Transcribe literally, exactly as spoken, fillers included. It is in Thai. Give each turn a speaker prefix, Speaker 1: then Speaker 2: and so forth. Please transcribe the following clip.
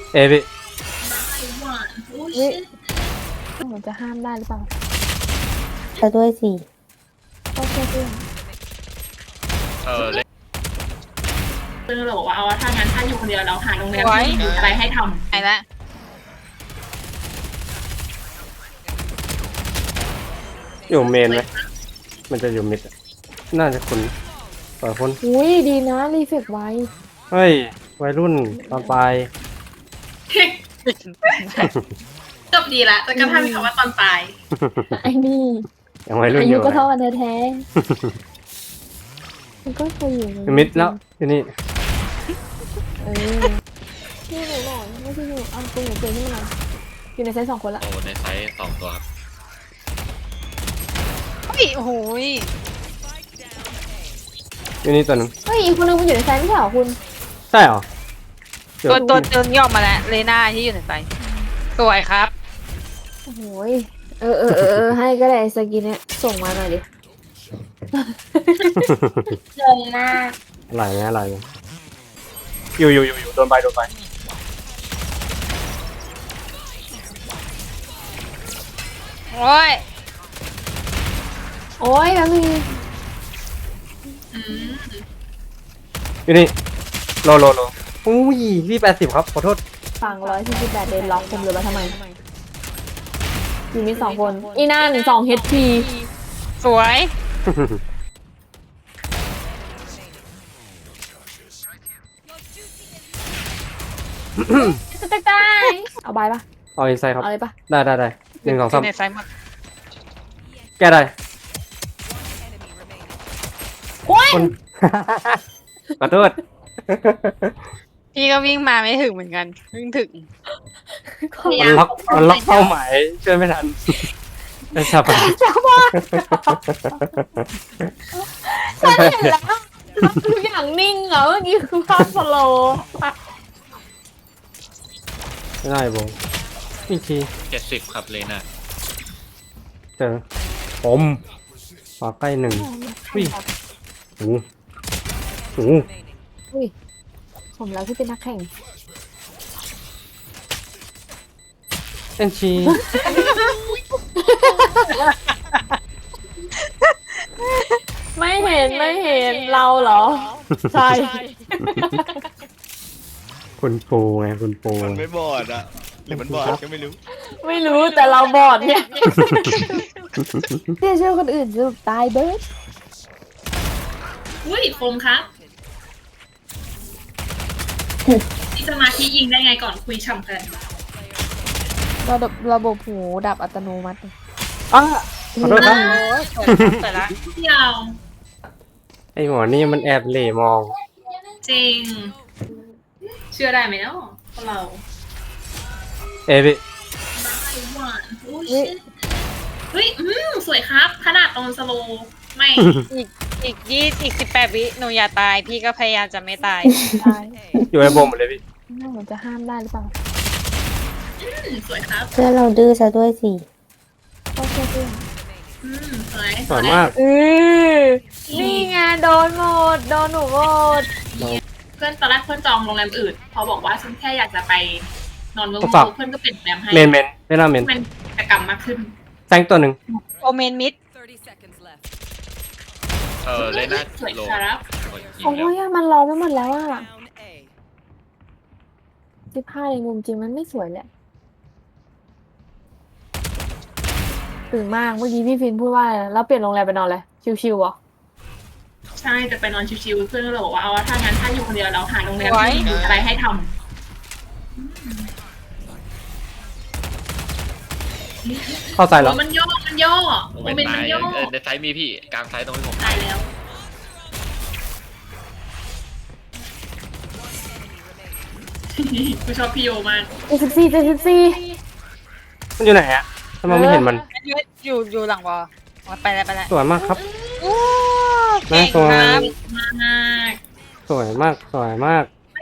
Speaker 1: เอพี่
Speaker 2: เฮ้ยหนูจะห้ามได้หรือเปล่า
Speaker 3: จะด้วยสิ
Speaker 2: ก็แค่เพื่อน
Speaker 4: เออเลย
Speaker 5: เพื่อนเราบอกว่าเอาถ้างั้นถ้าอยู่คนเดียวเราหาโรงแรมที่มีอะไรให้ทำ
Speaker 6: ไอ้ละ
Speaker 1: อยู่เมนไหมมันจะอยู่มิดน่าจะคุณต่อคน
Speaker 2: อุ้ยดีนะรีเฟกไว้
Speaker 1: เฮ้ยวัยรุ่นตอนปลาย
Speaker 5: จบดีละแต่ก็ถ้ามีคำว่าตอนปลาย
Speaker 2: ไอ้นี่
Speaker 1: ยังวัยรุ่น
Speaker 2: อา
Speaker 1: อ
Speaker 2: ยุ
Speaker 1: ยู่
Speaker 2: ก็เท่ากันแท้มันก็เคยอยู่
Speaker 1: มิดแล้วที่นี่
Speaker 2: เออนี่หนูหน่อยไม่ใช่หนูเอาตัวหนูเจอที่มันอยู่ในไซส์สองคนละ
Speaker 4: โอ้ในไซส์สองตัวครับ
Speaker 6: เฮ้ยโอ้โหย
Speaker 1: ที่นี่ตัวนึง
Speaker 2: เฮ้ยอีกคนนึงมันอยู่ในไซส์ไม่ใช่เหรอคุณ
Speaker 1: ใช่เหรอ
Speaker 6: ตัวตัวตัวย่อมมาแล้วเลน่าที่อยู่ในใจสวยครับ
Speaker 2: โอ้โหยเออเออเออเออให้ก็ได้สกินเนี่ยส่งมาหน่อยดิ
Speaker 5: งงมาก
Speaker 1: อะไรนะอะไรนะอยู่อยู่อยู่อยู่โดนไปโดนไป
Speaker 6: โอ้ย
Speaker 2: โอ้ยแล้วมี
Speaker 1: อยู่นี่โลโลโลอุ้ยพี่แปดสิบครับขอโทษ
Speaker 2: ฝั่งร้อยสี่สิบแปดเดนล็อกผมเหลือมาทำไมอยู่มีสองคนอีนั่นสองเฮดพี
Speaker 6: สวย
Speaker 2: จะตายตายเอาใบปะ
Speaker 1: เอาอินไซด์ครับ
Speaker 2: เอาเลยปะ
Speaker 1: ได้ได้ได้หนึ่งสองสาม
Speaker 6: ในไซส์หมด
Speaker 1: แก้ได้
Speaker 2: โอ้ย
Speaker 1: คนขอโทษ
Speaker 6: พี่ก็วิ่งมาไม่ถึงเหมือนกันวิ่งถึง
Speaker 1: มันล็อกมันล็อกเป้าหมายช่วยไม่ทันไม่ทราบ
Speaker 2: จ้าบ้าฉันเห็นแล้วทุกอย่างนิ่งเหรอเมื่อกี้คือภาพสโลว์
Speaker 1: ไม่ได้บงอีกที
Speaker 4: เจ็ดสิบครับเลน่า
Speaker 1: เจอผมขอใกล้หนึ่งวิ่งโอ้โห
Speaker 2: อุ้ยผมแล้วที่เป็นนักแข่ง
Speaker 1: เอ็นชี
Speaker 2: ไม่เห็นไม่เห็นเราเหรอใช่
Speaker 1: คุณปูไงคุณปู
Speaker 4: มันไม่บอดอะหรือมันบอดก็ไม่รู้
Speaker 2: ไม่รู้แต่เราบอดเนี่ยเนี่ยเชื่อคนอื่นจะตายเบิร์ด
Speaker 5: อุ้ยโฟมครับมีสมาธิยิงได้ไงก่อนคุยช่ำกัน
Speaker 2: ระบบระบบหูดับอัตโนมัติ
Speaker 1: อ้าขอโทษครับ
Speaker 6: โอ้ยสวยละ
Speaker 5: เที่ยว
Speaker 1: ไอหมอนี่มันแอบเหล่มอง
Speaker 5: จริง เชื่อได้ไหมเนาะพวกเรา
Speaker 1: เอพี่
Speaker 2: เฮ้ย
Speaker 5: เฮ้ยอืมสวยครับ ขนาดตอนสโลว์ไม่
Speaker 6: อีกอีกยี่อีกสิบแปดวิหนูอย่าตายพี่ก็พยายามจะไม่ตาย
Speaker 2: ตาย
Speaker 1: อยู่ในบมหมดเลยพี่
Speaker 2: น่าเหมือนจะห้ามได้หรือเปล่า
Speaker 5: อืมสวยครับ
Speaker 3: เพื่อนเราดื้อซะด้วยสิ
Speaker 2: ก็แค่เพื่อน
Speaker 5: อืมสวย
Speaker 1: สวยมาก
Speaker 2: เออนี่ไงโดนหมดโดนหนูหมด
Speaker 5: เพื่อนตอนแรกเพื่อนจองโรงแรมอื่น พอบอกว่าฉันแค่อยากจะไปนอนเมือง
Speaker 1: ทดสอบ
Speaker 5: เพื่อนก็เปลี่ยนโรงแรมให้
Speaker 1: เมนเมนเวลาเมน
Speaker 5: มันกิจกรรมมากขึ้น
Speaker 1: แซงตัวหนึ่ง
Speaker 6: โอเมนมิด
Speaker 4: เออเลน่า
Speaker 5: สวย
Speaker 4: โล
Speaker 5: ครับ
Speaker 2: โอ้ยมันร้องไปหมดแล้วอ่ะสิบห้าในมุมจริงมันไม่สวยแหละตื่นมากเมื่อกี้พี่ฟินพูดว่าอะไรนะแล้วเปลี่ยนโรงแรมไปนอนเลยชิวๆเหรอ
Speaker 5: ใช่จะไปนอนชิวๆเพื่อนเราบอกว่าเอาถ้างั้นถ้าอยู่คนเดียวเราหาโรงแรมที่มีอะไรให้ทำ
Speaker 1: เข้าใจแล้ว
Speaker 5: โอ้ยมันย่อมันย่อ
Speaker 4: โม
Speaker 5: โม
Speaker 4: เมน
Speaker 5: เมน
Speaker 4: ต์
Speaker 5: ต์
Speaker 4: ไน
Speaker 5: มันย่อ
Speaker 4: เออในไซส์มีพี่กลางไซส์ตรงที่ผม
Speaker 5: ตายแล้ว กูชอบพี่โยมาก
Speaker 2: เจ็ดสิบสี่เจ็ดสิบสี่
Speaker 1: มันอยู่ไหนอะทำไมไม่เห็นมัน
Speaker 6: อยู่อยู่หลังวอลไปแล้วไปแล้ว
Speaker 1: สวยมากครับ
Speaker 6: โอ้
Speaker 1: น่า
Speaker 6: เก่ง
Speaker 1: สวย
Speaker 6: ครับ
Speaker 5: มาก
Speaker 1: สวยมากสวยมาก